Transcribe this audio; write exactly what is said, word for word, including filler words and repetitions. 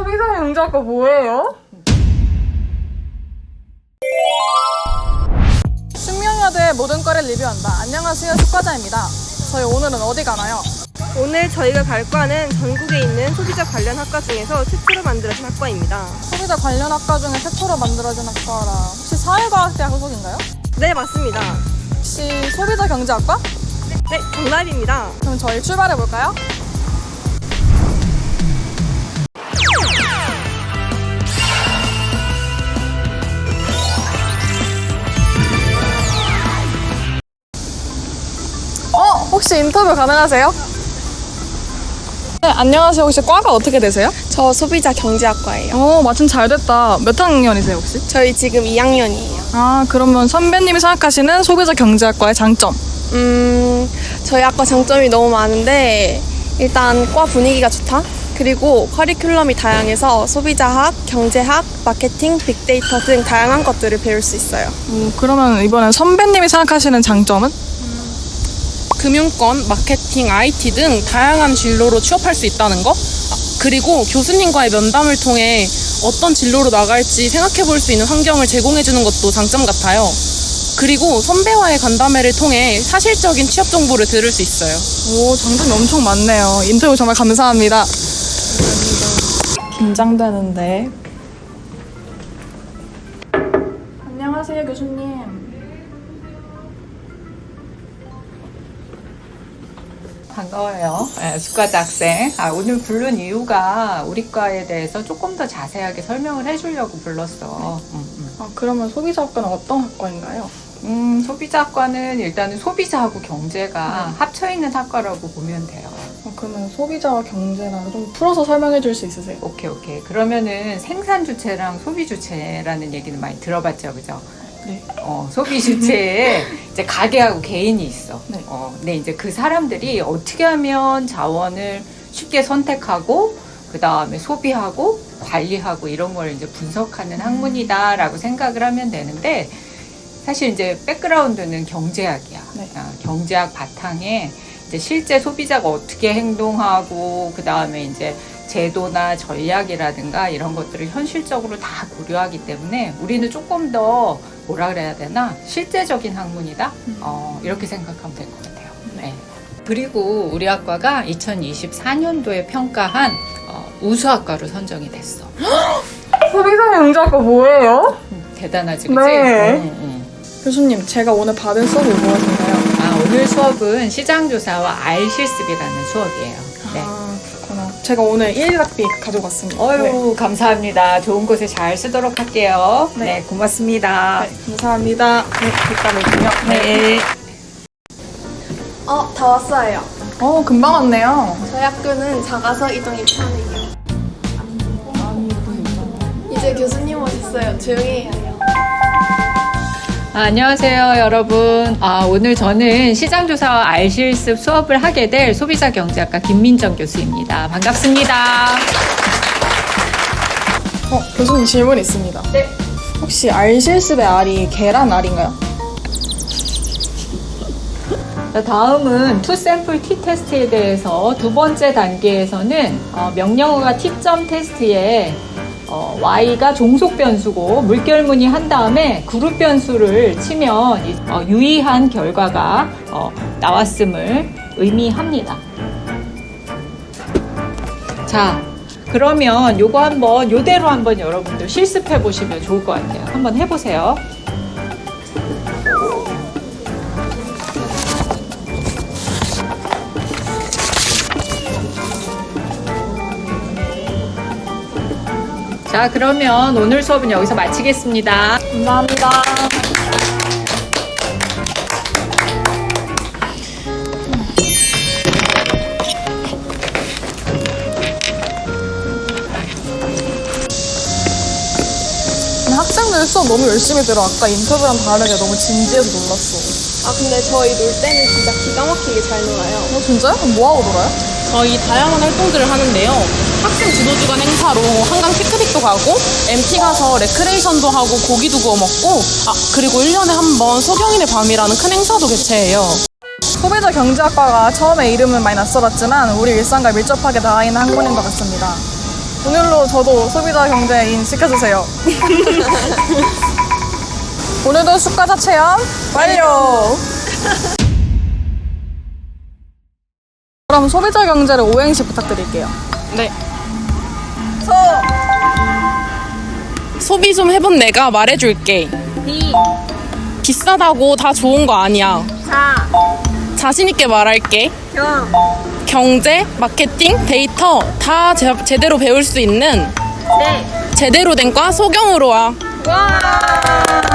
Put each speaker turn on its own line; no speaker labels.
소비자 경제학과 뭐예요? 숙명여대 모든 과를 리뷰한다. 안녕하세요, 숙과자입니다. 저희 오늘은 어디 가나요?
오늘 저희가 갈 과는 전국에 있는 소비자 관련 학과 중에서 최초로 만들어진 학과입니다.
소비자 관련 학과 중에 최초로 만들어진 학과라 혹시 사회과학대학 소속인가요?
네, 맞습니다.
혹시 소비자 경제학과?
네, 정답입니다.
그럼 저희 출발해볼까요? 어? 혹시 인터뷰 가능하세요? 네, 안녕하세요. 혹시 과가 어떻게 되세요?
저 소비자 경제학과예요.
어, 마침 잘 됐다. 몇 학년이세요, 혹시?
저희 지금 이 학년이에요.
아, 그러면 선배님이 생각하시는 소비자 경제학과의 장점?
음, 저희 학과 장점이 너무 많은데 일단 과 분위기가 좋다. 그리고 커리큘럼이 다양해서 소비자학, 경제학, 마케팅, 빅데이터 등 다양한 것들을 배울 수 있어요.
음, 그러면 이번엔 선배님이 생각하시는 장점은?
금융권, 마케팅, 아이티 등 다양한 진로로 취업할 수 있다는 거? 아, 그리고 교수님과의 면담을 통해 어떤 진로로 나갈지 생각해 볼 수 있는 환경을 제공해 주는 것도 장점 같아요. 그리고 선배와의 간담회를 통해 사실적인 취업 정보를 들을 수 있어요.
오, 장점이 엄청 많네요. 인터뷰 정말 감사합니다. 긴장되는데. 안녕하세요, 교수님.
반가워요. 네, 숙과자 학생. 아, 오늘 부른 이유가 우리 과에 대해서 조금 더 자세하게 설명을 해주려고 불렀어. 음, 음.
아, 그러면 소비자학과는 어떤 학과인가요?
음, 소비자학과는 일단은 소비자하고 경제가
네.
합쳐있는 학과라고 보면 돼요.
아, 그러면 소비자와 경제랑 좀 풀어서 설명해 줄 수 있으세요?
오케이, 오케이. 그러면은 생산 주체랑 소비 주체라는 얘기는 많이 들어봤죠, 그죠?
네.
어, 소비 주체에 이제 가게하고 개인이 있어.
네.
어, 근데 이제 그 사람들이 어떻게 하면 자원을 쉽게 선택하고, 그 다음에 소비하고, 관리하고 이런 걸 이제 분석하는 학문이다라고 생각을 하면 되는데, 사실 이제 백그라운드는 경제학이야.
네.
아, 경제학 바탕에 이제 실제 소비자가 어떻게 행동하고, 그 다음에 이제 제도나 전략이라든가 이런 것들을 현실적으로 다 고려하기 때문에 우리는 조금 더 뭐라 그래야 되나 실제적인 학문이다
음.
어, 이렇게 생각하면 될 것 같아요. 네. 그리고 우리 학과가 이천이십사 년도에 평가한 어, 우수학과로 선정이 됐어.
소비자 경제학과 뭐예요?
음, 대단하지, 그치?
네.
응, 응.
교수님, 제가 오늘 받은 수업이 무엇인가요?
아, 오늘 수업은 시장조사와 알실습이라는 수업이에요. 네.
아, 그렇구나. 제가 오늘 일 일 학비 가져갔습니다.
어유 감사합니다. 좋은 곳에 잘 쓰도록 할게요.
네.
네, 고맙습니다.
네, 감사합니다. 네, 뒷담을요.
네.
어, 다 왔어요.
어, 금방 왔네요.
저희 학교는 작아서 이동이 편해요. 이제 교수님 오셨어요. 조용히 해요.
아, 안녕하세요, 여러분. 아, 오늘 저는 시장조사와 알실습 수업을 하게 될 소비자경제학과 김민정 교수입니다. 반갑습니다.
어, 교수님 질문 있습니다.
네.
혹시 알실습의 알이 계란 알인가요?
자, 다음은 투 샘플 티 테스트에 대해서 두 번째 단계에서는 어, 명령어가 티점 테스트에 어, Y가 종속 변수고 물결무늬 한 다음에 그룹 변수를 치면 이, 어, 유의한 결과가 어, 나왔음을 의미합니다. 자, 그러면 요거 한번 요대로 한번 여러분들 실습해 보시면 좋을 것 같아요. 한번 해보세요. 자, 그러면 오늘 수업은 여기서 마치겠습니다.
감사합니다. 학생들 수업 너무 열심히 들어. 아까 인터뷰랑 다르게 너무 진지해서 놀랐어.
아, 근데 저희 놀 때는 진짜 기가 막히게 잘 놀아요.
어, 진짜요? 그럼 뭐하고 놀아요?
저희 다양한 활동들을 하는데요. 학생 주도주간 행사로 한강 피크닉도 가고 엠티 가서 레크레이션도 하고 고기도 구워 먹고 아 그리고 일 년에 한 번 소경인의 밤이라는 큰 행사도 개최해요.
소비자 경제학과가 처음에 이름은 많이 낯설었지만 우리 일상과 밀접하게 닿아있는 학문인 것 같습니다. 오늘로 저도 소비자 경제인 시켜주세요. 오늘도 숙과자 체험 완료! 그럼 소비자 경제를 오행시 부탁드릴게요.
네. 소. 소비 좀 해본 내가 말해줄게.
비.
비싸다고 다 좋은 거 아니야.
자.
자신있게 말할게.
경.
경제, 마케팅, 데이터 다 제, 제대로 배울 수 있는
네.
제대로 된 과 소경으로 와.
와.